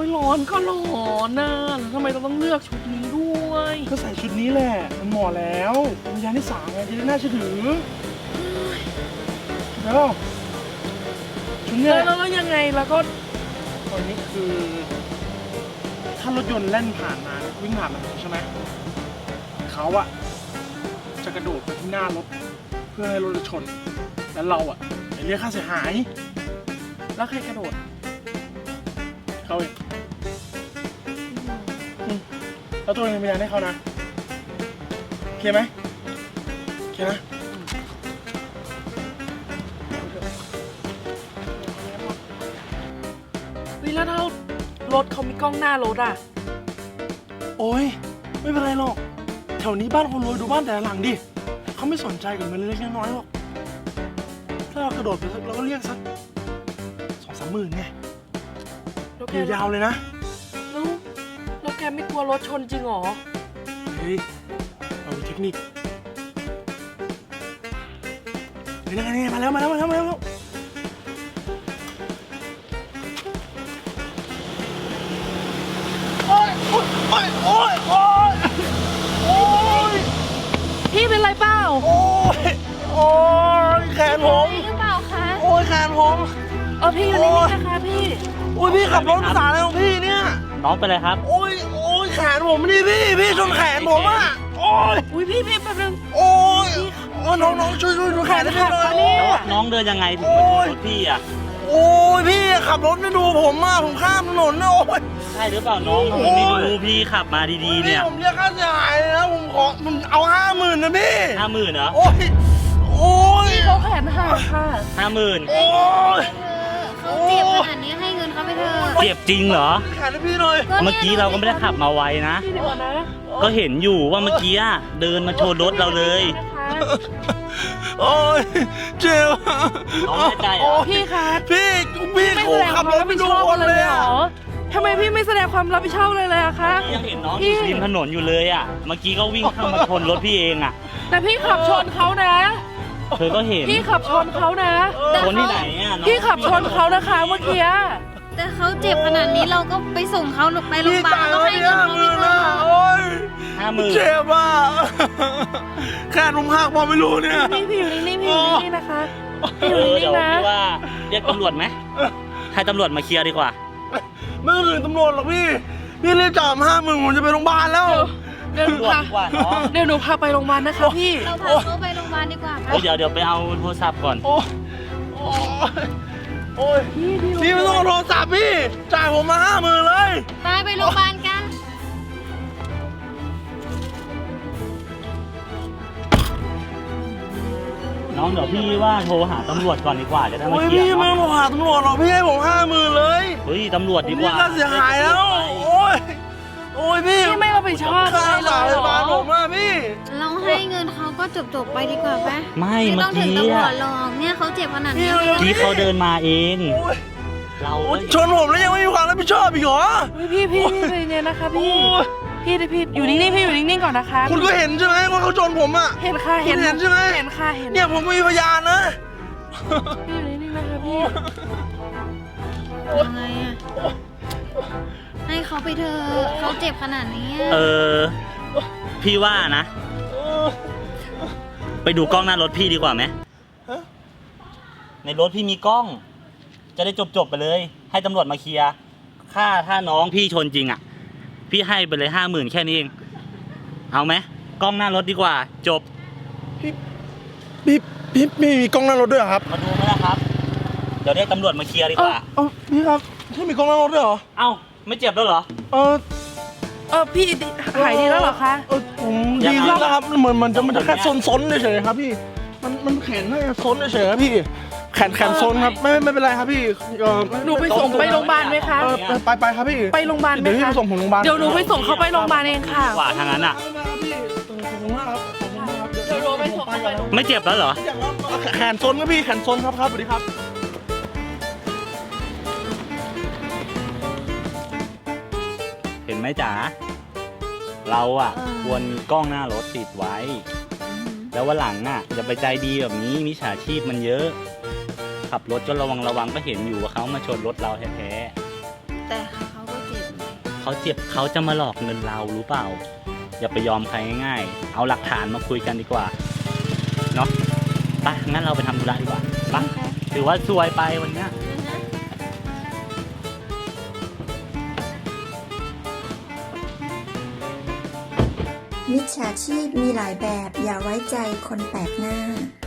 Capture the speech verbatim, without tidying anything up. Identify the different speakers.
Speaker 1: ร้อนก็ร้อนนะแล้วทำไมเราต้องเลือกชุดนี้ด้วยก็ใส่ชุดนี้แหละมันเหมาะแล้วเป็นยาที่สามไงจะได้น่าเชื่อถือแล้วชุดเนี้ยแล้วแล้วยังไงแล้วก็ตอนนี้คือถ้ารถยนต์แล่นผ่านมาวิ่งผ่านมาใช่ไหมเขาอะจะกระโดดไปที่หน้ารถเพื่อให้รถชนแล้วเราอะจะเรียกค่าเสียหายแล้วใครกระโดดเขาเองแล้วตัวเองเป็นพยานให้เขานะโอเคไหมโอเคนะวิแล้วถ้ารถเขามีกล้องหน้ารถอ่ะโอ้ยไม่เป็นไรหรอกแถวนี้บ้านคนรวยดูบ้านแต่ละหลังดิเขาไม่สนใจกับเงินเล็กน้อยหรอกถ้าเรากระโดดไปสักเราก็เรียกสักสองสามหมื่นไงอยู่ยาวเลยนะแล้วแล้วแกไม่กลัวรถชนจริงหรอเฮ้ยเรามีเทคนิคเฮ้ยนั่นไงมาแล้วมาแล้วมาแล้วมาแล้วโอ้ยโอ้ยโอ้ยโอ้ยโอ้ยโอ้ยพี่เป็นไรเปล่าโอ้ยโอ้ยแขนผม
Speaker 2: หรือเปล่าคะ
Speaker 1: โอ้ยแขนผม
Speaker 2: เออพี่อยู่นี่นะคะพี่
Speaker 1: โอ้ยพี่ขับรถภาษาอะไรของพี่เนี่ย
Speaker 3: น้องเป็นไรครับ
Speaker 1: โอ้ยโอ้ยแขนผมนี่พี่พี่ชนแขนผมอ่ะโอ้ย
Speaker 2: อุ้ยพี่พี่แป๊บนึง
Speaker 1: โอ้ยโอ้ยน้องน้องช่วยช่วยดูแขนให้หน่อย
Speaker 3: แล้วน้องเดินยังไงถึงมาชนรถพี่อ่ะ
Speaker 1: โอ้ยพี่ขับรถไม่ดูผมอ่ะผมข้ามถนนนะโอ้ย
Speaker 3: ใช่หรือเปล่าน้องทำไมไม่ดูพี่ขับมาดีๆเนี่ย
Speaker 1: ผมเรียกค่าเสียหายเลยนะผมขอผมเอาห้าหมื่นนะพี่
Speaker 3: ห้าหมื่นเหรอ
Speaker 1: โอ้ยโอ้ย
Speaker 2: เขาแขนหักค่ะ
Speaker 3: ห้าหมื่น
Speaker 1: โอ้ย
Speaker 2: เขาเจ็บขนาดนี้ให้เงินเขาไปเถอะ
Speaker 3: เจ็บจริงเหรอ
Speaker 1: แขนให้พี่หน่อย
Speaker 3: เมื่อกี้เราก็ไม่ได้ขับมาไวนะก็เห็นอยู่ว่าเมื่อกี้เดินมาชนรถเราเลย
Speaker 1: โอ้ยเจ็บ
Speaker 3: น้องใจเหรอ
Speaker 2: พี่คะ
Speaker 1: พี่พี่เขาขับรถไม่ดูคนเลยเหรอ
Speaker 2: ทำไมพี่ไม่แสดงความรับผิดชอบเลยเลยอะคะ
Speaker 3: ยังเห็นน้องอยู่ริมถนนอยู่เลยอ่ะเมื่อกี้ก็วิ่งเข้ามาชนรถพี่เองอ่ะ
Speaker 2: แต่พี่ขับชนเขานะ
Speaker 3: เธอก็เห็น
Speaker 2: พี่ขับชนเขานะ
Speaker 3: ชนที่ไหนอ่ะ
Speaker 2: พี่ขับชนเขานะคะเมื่อกี้
Speaker 4: แต่เขาเจ็บขนาดนี้เราก็ไปส่งเขาไปโรงพยาบาลก็ให้เงินเขาไปเถอะ
Speaker 1: ห้าหมื่นเจ็บอ่ะแค่นุ่มหักพอไม่รู้เนี่ย
Speaker 2: นี่พี่อยู่นี่พี่อยู่นี่นะคะพี่อยู่นี่
Speaker 3: เดี๋ยว
Speaker 2: นะ
Speaker 3: พี่ว่าเรียกตำรวจไหมให้ตำรวจมาเคลียร์ดีกว่า
Speaker 1: ไม่ต้องถึงตำรวจหรอกพี่พี่เรียกจ่ายห้าหมื่นผมจะไปโรงพยาบาลแล้ว
Speaker 2: เดี๋ยวหนูพาเดี๋ยวหนูพาไปโรงพยาบาลนะคะพี่
Speaker 4: เราพาเขาไปโรงพยาบาลดีกว่าค่ะ
Speaker 3: เดี๋ยวเดี๋ยวไปเอาโทรศัพท์ก่อน
Speaker 1: โอ้โอ้ยพี่ไม่ต้องเอาโทรศัพท์พี่จ่ายผมมาห้าหมื่นเลย
Speaker 4: ไปไปโรงพยาบาลกัน
Speaker 3: น้องเดี๋ยวพี่ว่าโทรหาตำรวจก่อนดีกว่าจะได้มาเคลียร์
Speaker 1: พี่ไม่ต้องหาตำรวจหรอกพี่ให้ผมห้าหมื่นเลย
Speaker 3: เฮ้ยตำรวจดีกว่า
Speaker 1: ค่าเสียหายแล้วโอ้ยโอ้ยพี่
Speaker 2: พี่ไม่รับผิดชอบ
Speaker 1: ค่าสายบาลผมอ่ะพี่
Speaker 4: เราให้เงินเขาก็จบจบไปดีกว่าไหม
Speaker 3: ไม่เมื่อกี้
Speaker 4: ไม่ต้องถึงตำรวจหรอกเนี่ยเขาเจ็บขนาดนี้
Speaker 3: ที่เขาเดินมาเอง
Speaker 1: เราชนผมแล้วยังไม่มีความรับผิดชอบอีกเหรอ
Speaker 2: พี่พี่พี่เนี่ยนะคะพี่พี่พี่อยู่นิ่งๆพี่อยู่นิ่งๆก่อนนะคะ
Speaker 1: คุณก็เห็นใช่ไหมว่าเขาชนผมอ่ะ
Speaker 2: เห็นค่ะ
Speaker 1: เห็นใช่ไหม
Speaker 2: เห็นค่ะเห็น
Speaker 1: เนี่ยผมมีพยานนะ
Speaker 2: พี่อยู่นิ่งๆนะคะพี่
Speaker 4: ยังไงอะให้เขาไปเถอะเขาเจ็บขนาดนี้
Speaker 3: เออพี่ว่านะไปดูกล้องหน้ารถพี่ดีกว่าไหมในรถพี่มีกล้องจะได้จบๆไปเลยให้ตำรวจมาเคลียร์ค่าถ้าน้องพี่ชนจริงอ่ะพี่ให้ไปเลยห้าหมื่นแค่นี้เองเอาไหมกล้องหน้ารถดีกว่าจบ
Speaker 1: พี่พี่พี่มีกล้องหน้ารถด้วยครับ
Speaker 3: มาดูไหมล่ะครับเดี๋ยวเรียกตำรวจมาเคลียร์ดีกว่า
Speaker 1: เออพี่ครับพี่มีกล้องหน้ารถด้วยเหรอ
Speaker 3: เอ้าไม่เจ็บแล้วเหรอ
Speaker 1: เออ
Speaker 2: เออพี่หายดีแล้วเหรอคะ
Speaker 1: เออผมดีแล้วครับเหมือนมันจะมันจะแค่ซนๆเฉยๆครับพี่มันมันแขนแค่ซนเฉยๆครับพี่แขนแขนซนครับไม่ไม่เป็นไรครับพี่
Speaker 2: หนูไปส่งไปโรงพยาบาลไหมคะ
Speaker 1: ไปไปครับพี่
Speaker 2: ไปโรงพยาบาลไหมคะ
Speaker 1: เดี๋ยวพี่ไปส่งผมโรงพยาบาล
Speaker 2: เดี๋ยวหนูไปส่งเขาไปโรงพยาบาลเองค่ะ
Speaker 3: กว่าทางนั้นอ่ะ
Speaker 2: เดี๋ยวหนูไปส่งเขาไปโรงพยาบาล
Speaker 3: ไม่เจ็บแล้วเหรอ
Speaker 1: แขนซนครับพี่แขนซนครับครับสวัสดีครับ
Speaker 3: เห็นไหมจ๋าเราอ่ะควรมีกล้องหน้ารถติดไว้แล้ววันหลังอ่ะอย่าไปใจดีแบบนี้มิจฉาชีพมันเยอะขับรถก็ระวังระวังก็เห็นอยู่ว่าเขามาชนรถเราแท้
Speaker 4: ๆแต่เขาก็เจ็บ
Speaker 3: เขาเจ็บเขาจะมาหลอกเงินเรารู้เปล่า อย่าไปยอมใครง่ายๆ เอาหลักฐานมาคุยกันดีกว่า เนาะไปงั้นเราไปทำธุระดีกว่าไปถือว่าซวยไปวันเนี้ย
Speaker 5: มิจฉาชีพมีหลายแบบอย่าไว้ใจคนแปลกหน้า